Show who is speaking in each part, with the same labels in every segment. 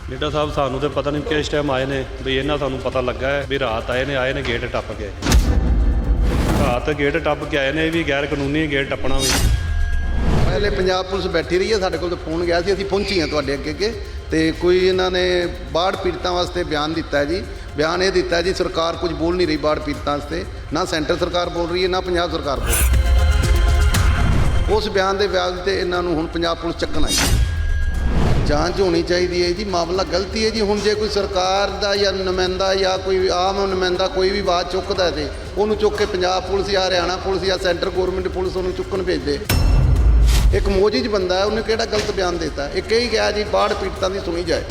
Speaker 1: Leader ਸਾਹਿਬ ਸਾਨੂੰ ਤੇ ਪਤਾ ਨਹੀਂ ਕਿਸ ਟਾਈਮ ਆਏ ਨੇ ਵੀ ਇਹਨਾਂ ਸਾਨੂੰ ਪਤਾ ਲੱਗਾ ਹੈ ਵੀ ਰਾਤ ਆਏ ਨੇ ਗੇਟ ਟੱਪ ਕੇ ਰਾਤ ਗੇਟ ਟੱਪ ਕੇ ਆਏ ਨੇ ਵੀ ਗੈਰ ਕਾਨੂੰਨੀ ਗੇਟ ਟੱਪਣਾ ਵੀ।
Speaker 2: ਪਹਿਲੇ ਪੰਜਾਬ ਪੁਲਿਸ ਬੈਠੀ ਰਹੀ ਹੈ, ਸਾਡੇ ਕੋਲ ਤਾਂ ਫੋਨ ਗਿਆ ਸੀ, ਅਸੀਂ ਪਹੁੰਚੀ ਹਾਂ ਤੁਹਾਡੇ ਅੱਗੇ ਤੇ ਕੋਈ ਇਹਨਾਂ ਨੇ ਬਾੜ ਪੀੜਤਾਂ ਵਾਸਤੇ ਬਿਆਨ ਦਿੱਤਾ ਹੈ ਜੀ। ਬਿਆਨ ਇਹ ਦਿੱਤਾ ਜੀ ਸਰਕਾਰ ਕੁਝ ਬੋਲ ਨਹੀਂ ਰਹੀ ਬਾੜ ਪੀੜਤਾਂ ਵਾਸਤੇ, ਨਾ ਸੈਂਟਰ ਸਰਕਾਰ ਬੋਲ ਰਹੀ ਹੈ ਨਾ ਪੰਜਾਬ ਸਰਕਾਰ ਬੋਲ ਰਹੀ। ਉਸ ਬਿਆਨ ਦੇ ਵਿਆਜ ਤੇ ਇਹਨਾਂ ਨੂੰ ਹੁਣ ਪੰਜਾਬ ਪੁਲਿਸ ਚੱਕਣ ਆਈ। ਜਾਂਚ ਹੋਣੀ ਚਾਹੀਦੀ ਹੈ ਜੀ, ਮਾਮਲਾ ਗਲਤੀ ਹੈ ਜੀ। ਹੁਣ ਜੇ ਕੋਈ ਸਰਕਾਰ ਦਾ ਜਾਂ ਨੁਮਾਇੰਦਾ ਜਾਂ ਕੋਈ ਆਮ ਨੁਮਾਇੰਦਾ ਕੋਈ ਵੀ ਬਾਤ ਚੁੱਕਦਾ ਤੇ ਉਹਨੂੰ ਚੁੱਕ ਕੇ ਪੰਜਾਬ ਪੁਲਿਸ ਜਾਂ ਹਰਿਆਣਾ ਪੁਲਿਸ ਜਾਂ ਸੈਂਟਰ ਗੌਰਮੈਂਟ ਪੁਲਿਸ ਉਹਨੂੰ ਚੁੱਕਣ ਭੇਜਦੇ। ਇੱਕ ਮੋਜਿਜ ਬੰਦਾ ਹੈ, ਉਹਨੇ ਕਿਹੜਾ ਗਲਤ ਬਿਆਨ ਦਿੱਤਾ? ਇਹ ਕਹੀ ਗਿਆ ਜੀ ਬਾੜ ਪੀੜਤਾਂ ਦੀ ਸੁਣੀ ਜਾਏ।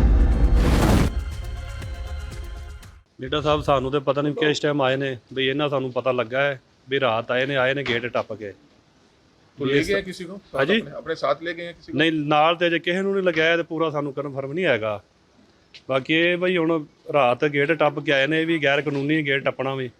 Speaker 1: ਲੀਡਰ ਸਾਹਿਬ ਸਾਨੂੰ ਤੇ ਪਤਾ ਨਹੀਂ ਕਿਸ ਟਾਈਮ ਆਏ ਨੇ ਵੀ ਇਹਨਾਂ ਸਾਨੂੰ ਪਤਾ ਲੱਗਾ ਹੈ ਵੀ ਰਾਤ ਆਏ ਨੇ ਗੇਟ ਟੱਪ ਕੇ।
Speaker 3: तो ले गए किसी को?
Speaker 1: हाँ जी?
Speaker 3: अपने साथ ले गए हैं किसी को?
Speaker 1: ਨਹੀਂ ਨਾਲ ਤੇ ਜੇ ਕਿਸੇ ਨੂੰ ਨਹੀਂ ਲਗਾਇਆ ਤੇ ਪੂਰਾ ਸਾਨੂੰ ਕਨਫਰਮ ਨਹੀਂ ਹੈਗਾ। ਬਾਕੀ ਇਹ ਬਈ ਹੁਣ ਰਾਤ ਗੇਟ ਟੱਪ ਕੇ ਆਏ ਨੇ ਵੀ ਗੈਰ ਕਾਨੂੰਨੀ ਗੇਟ ਟੱਪਣਾ ਵੀ।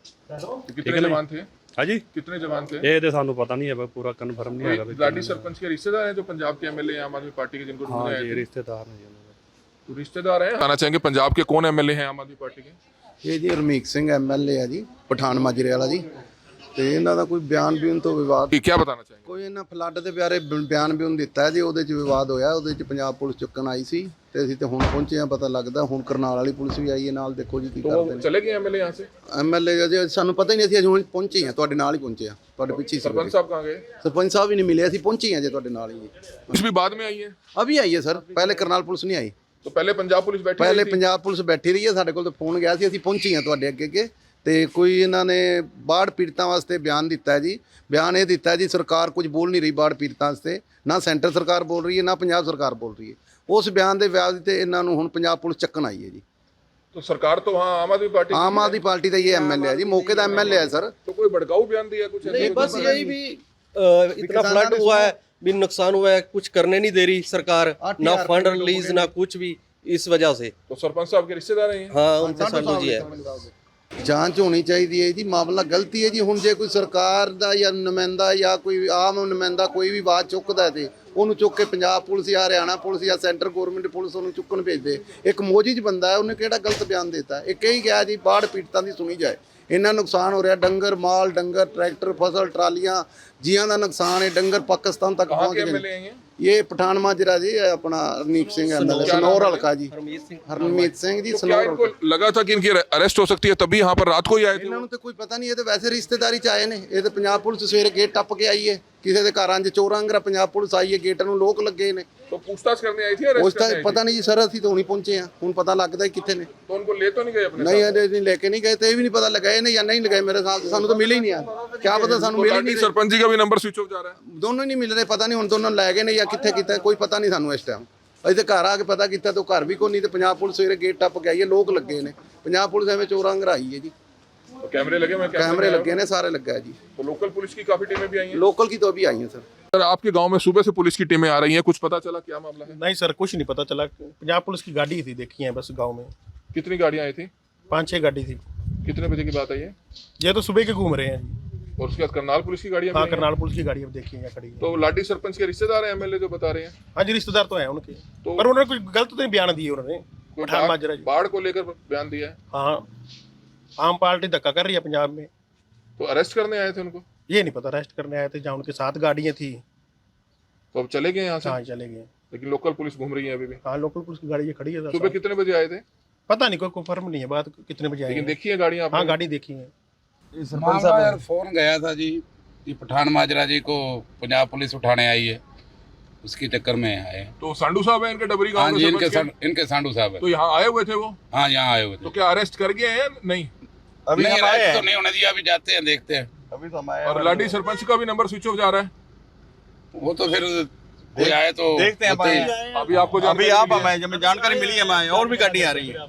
Speaker 3: तो कितने जवान थे?
Speaker 1: ਹਾਂਜੀ
Speaker 3: कितने जवान थे?
Speaker 1: ਇਹ ਤੇ ਸਾਨੂੰ ਪਤਾ ਨਹੀਂ ਹੈ, ਪੂਰਾ ਕਨਫਰਮ ਨਹੀਂ ਹੈਗਾ।
Speaker 3: लाडी सरपंच के रिश्तेदार हैं जो पंजाब के एमएलए आम आदमी पार्टी के जिनको ढूंढने
Speaker 1: ਹਾਂ
Speaker 3: आए
Speaker 1: ਜੀ
Speaker 3: थे?
Speaker 1: ਰਿਸ਼ਤੇਦਾਰ ਨੇ ਜੀ ਉਹਨਾਂ ਦੇ।
Speaker 3: तो रिश्तेदार हैं। बताना चाहेंगे पंजाब के कौन एमएलए हैं आम आदमी पार्टी के?
Speaker 2: ਇਹ ਜੀ ਰਮੀਕ ਸਿੰਘ ਐਮਐਲਏ ਆ ਜੀ, ਪਠਾਨ ਮਾਜਰੇ ਵਾਲਾ ਜੀ। ਤੇ ਇਹਨਾਂ ਦਾ ਕੋਈ ਬਿਆਨ ਤੋਂ ਵਿਵਾਦ,
Speaker 3: कि क्या बताना चाहेंगे?
Speaker 2: ਕੋਈ ਇਹਨਾਂ ਫਲੱਡ ਦੇ ਬਾਰੇ ਬਿਆਨ ਦਿੱਤਾ ਜੀ, ਉਹਦੇ 'ਚ ਵਿਵਾਦ ਹੋਇਆ। ਉਹਦੇ 'ਚ ਪੰਜਾਬ ਪੁਲਿਸ ਚੁੱਕਣ ਆਈ ਸੀ ਤੇ ਅਸੀਂ ਤੇ ਹੁਣ ਪਹੁੰਚੇ ਹਾਂ। ਪਤਾ ਲੱਗਦਾ ਹੁਣ ਕਰਨਾਲ ਵਾਲੀ ਪੁਲਿਸ ਵੀ ਆਈ ਹੈ ਨਾਲ, ਦੇਖੋ ਜੀ ਕੀ ਕਰਦੇ
Speaker 3: तो
Speaker 2: ਨੇ।
Speaker 3: चले गए एमएलए यहाँ से?
Speaker 2: ਐਮਐਲਏ ਜੀ ਸਾਨੂੰ ਪਤਾ ਹੀ ਨਹੀਂ, ਅਸੀਂ ਹੁਣ ਪਹੁੰਚੇ ਹਾਂ, ਤੁਹਾਡੇ ਨਾਲ ਹੀ ਪਹੁੰਚੇ ਹਾਂ, ਤੁਹਾਡੇ ਪਿੱਛੇ ਹੀ ਸੀ।
Speaker 3: सरपंच साहब कहाँ गए?
Speaker 2: ਸਰਪੰਚ ਸਾਹਿਬ ਵੀ ਨਹੀਂ ਮਿਲੇ, ਅਸੀਂ ਪਹੁੰਚੇ ਹਾਂ ਜੀ ਤੁਹਾਡੇ ਨਾਲ ਹੀ ਜੀ।
Speaker 3: कुछ भी बाद में आई है?
Speaker 2: ਅਭੀ ਆਈ ਹੈ ਸਰ, ਪਹਿਲੇ ਕਰਨਾਲ ਪੁਲਿਸ ਨਹੀਂ ਆਈ।
Speaker 3: तो पहले पंजाब पुलिस बैठी
Speaker 2: ਪਹਿਲੇ
Speaker 3: हुई थी?
Speaker 2: ਪੰਜਾਬ ਪੁਲਿਸ ਬੈਠੀ ਰਹੀ ਹੈ, ਸਾਡੇ ਕੋਲ ਤਾਂ ਫੋਨ ਗਿਆ ਸੀ, ਅਸੀਂ ਪਹੁੰਚੇ ਹਾਂ ਤੁਹਾਡੇ ਅੱਗੇ ਤੇ ਕੋਈ ਇਹਨਾਂ ਨੇ ਬਾੜ ਪੀੜਤਾਂ ਵਾਸਤੇ ਬਿਆਨ ਦਿੱਤਾ ਹੈ ਜੀ। ਬਿਆਨ ਇਹ ਦਿੱਤਾ ਜੀ ਸਰਕਾਰ ਕੁਝ ਬੋਲ ਨਹੀਂ ਰਹੀ ਬਾੜ ਪੀੜਤਾਂ ਵਾਸਤੇ, ਨਾ ਸੈਂਟਰ ਸਰਕਾਰ ਬੋਲ ਰਹੀ ਹੈ ਨਾ ਪੰਜਾਬ ਸਰਕਾਰ ਬੋਲ ਰਹੀ ਹੈ। ਉਸ ਬਿਆਨ ਦੇ ਵਿਆਜ ਤੇ ਇਹਨਾਂ ਨੂੰ ਹੁਣ ਪੰਜਾਬ ਪੁਲਿਸ ਚੱਕਣ ਆਈ ਹੈ ਜੀ।
Speaker 3: तो सरकार तो वहाँ आम आदमी पार्टी
Speaker 2: ਆਮ ਆਦਮੀ ਪਾਰਟੀ ਦਾ ਇਹ ਐਮਐਲਏ ਹੈ ਜੀ, मौके ਦਾ ਐਮਐਲਏ है सर।
Speaker 3: तो कोई भड़काऊ बयान दिया कुछ?
Speaker 4: नहीं बस यही भी इतना फ्लड हुआ है, भी नुकसान हुआ है, कुछ करने नहीं दे रही सरकार, ना फंड रिलीज ना कुछ भी, इस वजह से।
Speaker 3: तो सरपंच साहब के रिश्तेदार हैं?
Speaker 4: हाँ उनके साथ जी है।
Speaker 2: ਜਾਂਚ ਹੋਣੀ ਚਾਹੀਦੀ ਹੈ ਜੀ, ਮਾਮਲਾ ਗਲਤੀ ਹੈ ਜੀ। ਹੁਣ ਜੇ ਕੋਈ ਸਰਕਾਰ ਦਾ ਜਾਂ ਨੁਮਾਇੰਦਾ ਜਾਂ ਕੋਈ ਆਮ ਨੁਮਾਇੰਦਾ ਕੋਈ ਵੀ ਬਾਤ ਚੁੱਕਦਾ ਤੇ ਉਹਨੂੰ ਚੁੱਕ ਕੇ ਪੰਜਾਬ ਪੁਲਿਸ ਜਾਂ ਹਰਿਆਣਾ ਪੁਲਿਸ ਜਾਂ ਸੈਂਟਰ ਗੌਰਮੈਂਟ ਪੁਲਿਸ ਉਹਨੂੰ ਚੁੱਕਣ ਭੇਜਦੇ। ਇੱਕ ਮੋਜਿਜ ਬੰਦਾ ਹੈ, ਉਹਨੇ ਕਿਹੜਾ ਗਲਤ ਬਿਆਨ ਦਿੱਤਾ? ਇਹ ਕਹੀ ਗਿਆ ਜੀ ਬਾੜ ਪੀੜਤਾਂ ਦੀ ਸੁਣੀ ਜਾਏ। ਇੰਨਾ ਨੁਕਸਾਨ ਹੋ ਰਿਹਾ, ਡੰਗਰ ਮਾਲ, ਡੰਗਰ ਟਰੈਕਟਰ ਫਸਲ ਟਰਾਲੀਆਂ ਜੀਆਂ ਦਾ ਨੁਕਸਾਨ ਹੈ। ਡੰਗਰ ਪਾਕਿਸਤਾਨ ਤੱਕ
Speaker 3: कहाँ
Speaker 2: ਪਹੁੰਚ
Speaker 3: के
Speaker 2: ਗਏ।
Speaker 3: एमएलए हैं ये?
Speaker 2: ਇਹ ਪਠਾਨ ਮਾਜਰਾ ਜੀ, ਆਪਣਾ ਰਣੀਕ ਸਿੰਘ ਐਮਐਲਏ ਸਨੌਰ ਹਲਕਾ ਜੀ, ਹਰਮੀਤ ਸਿੰਘ ਜੀ
Speaker 3: क्या
Speaker 2: ਸਨੌਰ
Speaker 3: इनको
Speaker 2: ਹਲਕਾ।
Speaker 3: लगा था कि इनकी अरेस्ट हो सकती है तभी यहाँ पर रात को ही आए थे?
Speaker 2: ਇਹਨਾਂ ਨੂੰ ਤੇ ਕੋਈ ਪਤਾ ਨਹੀਂ, ਇਹ ਤੇ ਵੈਸੇ ਰਿਸ਼ਤੇਦਾਰੀ ਚ ਆਏ ਨੇ। ਇਹ ਤੇ ਪੰਜਾਬ ਪੁਲਿਸ ਸਵੇਰੇ ਗੇਟ ਟੱਪ ਕੇ ਆਈ ਹੈ, ਕਿਸੇ ਦੇ ਘਰਾਂ 'ਚ ਚੋਰਾਂ ਅੰਗਰਾ ਪੰਜਾਬ ਪੁਲਿਸ ਆਈ ਹੈ, ਗੇਟਾਂ ਨੂੰ ਲੋਕ ਲੱਗੇ ਨੇ।
Speaker 3: तो पूछताछ करने आई थी?
Speaker 2: ਉਸ
Speaker 3: अरेस्ट
Speaker 2: ਤਾਂ
Speaker 3: करने आई थी?
Speaker 2: ਪਤਾ ਨਹੀਂ ਜੀ ਸਰ, ਅਸੀਂ ਤਾਂ ਹੁਣੀ ਪਹੁੰਚੇ ਹਾਂ, ਹੁਣ ਪਤਾ ਲੱਗਦਾ ਕਿੱਥੇ ਨੇ।
Speaker 3: तो उनको ले तो नहीं गए अपने
Speaker 2: ਨਹੀਂ
Speaker 3: साथ?
Speaker 2: ਅਜੇ ਨਹੀਂ ਲੈ ਕੇ ਨਹੀਂ ਗਏ ਤੇ ਇਹ ਵੀ ਨਹੀਂ ਪਤਾ ਲਗਾਏ ਨੇ ਜਾਂ ਨਹੀਂ ਲਗਾਏ। ਮੇਰੇ ਸਾਥ ਸਾਨੂੰ ਤਾਂ ਮਿਲੇ ਹੀ ਨਹੀਂ ਆ, ਕਿਆ ਪਤਾ ਸਾਨੂੰ
Speaker 3: तो
Speaker 2: ਮਿਲੇ ਹੀ
Speaker 3: लाठी
Speaker 2: ਨਹੀਂ।
Speaker 3: सरपंच जी का भी नंबर स्विच ऑफ जा रहा है?
Speaker 2: ਦੋਨੋਂ ਹੀ ਨਹੀਂ ਮਿਲ ਰਹੇ, ਪਤਾ ਨਹੀਂ ਹੁਣ ਦੋਨੋਂ ਲੈ ਗਏ ਨੇ ਜਾਂ ਕਿੱਥੇ ਕੀਤਾ, ਕੋਈ ਪਤਾ ਨਹੀਂ ਸਾਨੂੰ ਇਸ ਟਾਈਮ। ਅਸੀਂ ਤੇ ਘਰ ਆ ਕੇ ਪਤਾ ਕੀਤਾ ਤਾਂ ਘਰ ਵੀ ਕੋਈ ਨਹੀਂ, ਤੇ ਪੰਜਾਬ ਪੁਲਿਸ ਸਵੇਰੇ ਗੇਟ ਟੱਪ ਕੇ ਆਈ ਹੈ, ਲੋਕ ਲੱਗੇ ਨੇ। ਪੰਜਾਬ ਪੁਲਿਸ ਐਵੇਂ ਚੋਰਾਂ ਅੰਗਰਾ ਆਈ ਹੈ ਜੀ,
Speaker 3: तो कैमरे लगे? मैं
Speaker 2: कैमरे लगे ने, सारे लग गए जी।
Speaker 3: तो लोकल पुलिस की काफी टीमें भी आई हैं?
Speaker 2: लोकल की तो अभी आई हैं सर।
Speaker 3: सर आपके गांव में सुबह से पुलिस की टीमें आ रही हैं, कुछ पता चला क्या मामला है?
Speaker 5: नहीं सर, कुछ नहीं पता चला। पंजाब पुलिस की गाड़ी थी, देखी है बस गांव में
Speaker 3: कितनी गाड़ियां आई थी?
Speaker 5: 5-6 गाड़ी थी।
Speaker 3: कितने बजे की बात है ये?
Speaker 5: ये तो सुबह के घूम रहे हैं जी।
Speaker 3: और उसके बाद करनाल पुलिस की गाड़ियां
Speaker 5: हाँ
Speaker 3: भी आई हैं?
Speaker 5: करनाल पुलिस की गाड़ी अब देखी है यहाँ खड़ी है।
Speaker 3: तो लाडी सरपंच के रिश्तेदार हैं एमएलए जो बता रहे हैं?
Speaker 5: हाँ जी रिश्तेदार तो हैं उनके,
Speaker 3: तो-
Speaker 5: पर उन्होंने कुछ गलत तो नहीं बयान दिए उन्होंने।
Speaker 3: कोई
Speaker 5: पठान माजरा जी।
Speaker 3: बाढ़ को लेकर बयान दिया है?
Speaker 5: हाँ आम पार्टी धक्का कर रही है पंजाब में।
Speaker 3: तो अरेस्ट करने आए थे उनको?
Speaker 5: ये नहीं पता, अरेस्ट करने आए थे जहाँ उनके साथ गाड़ियाँ थी।
Speaker 3: तो अब चले गए यहाँ से?
Speaker 5: हाँ चले गए।
Speaker 3: लेकिन लोकल पुलिस घूम रही है अभी भी?
Speaker 5: हाँ लोकल पुलिस की गाड़ी ये खड़ी है सर।
Speaker 3: सुबह कितने बजे आए थे?
Speaker 5: पता नहीं, कोई कंफर्म नहीं है बात कितने बजे
Speaker 3: लेकिन
Speaker 5: आए।
Speaker 3: देखी है गाड़ियां
Speaker 5: हाँ
Speaker 3: आपने?
Speaker 5: गाड़ी देखी है।
Speaker 6: मामला यार फोन गया था जी कि पठान माजरा जी को पंजाब पुलिस उठाने आई है, उसकी चक्कर में आए हैं।
Speaker 3: तो सांडू साहब हैं इनके डबरी
Speaker 6: हाँ
Speaker 3: गांव
Speaker 6: जी,
Speaker 3: में
Speaker 6: इनके
Speaker 3: सरपंच के?
Speaker 6: इनके सांडू साहब है।
Speaker 3: तो यहाँ आए हुए थे वो?
Speaker 6: हाँ यहाँ आए हुए
Speaker 3: तो
Speaker 6: थे।
Speaker 3: क्या अरेस्ट कर गए हैं या नहीं?
Speaker 5: अभी
Speaker 6: नहीं
Speaker 5: हम आए
Speaker 6: अरेस्ट तो
Speaker 5: हैं।
Speaker 6: नहीं होने दिया, अभी जाते हैं देखते हैं।
Speaker 5: अभी तो हम आए
Speaker 3: और लाडी सरपंच का भी नंबर स्विच ऑफ जा रहा है?
Speaker 6: वो तो फिर कोई आए तो
Speaker 5: देखते हैं
Speaker 6: होते ही-
Speaker 5: भाई।
Speaker 3: अभी आपको
Speaker 5: अभी
Speaker 3: जानकारी
Speaker 5: आप
Speaker 3: मिली है?
Speaker 5: हमें जब जानकारी मिली है हमें, और भी गाड़ी आ रही है।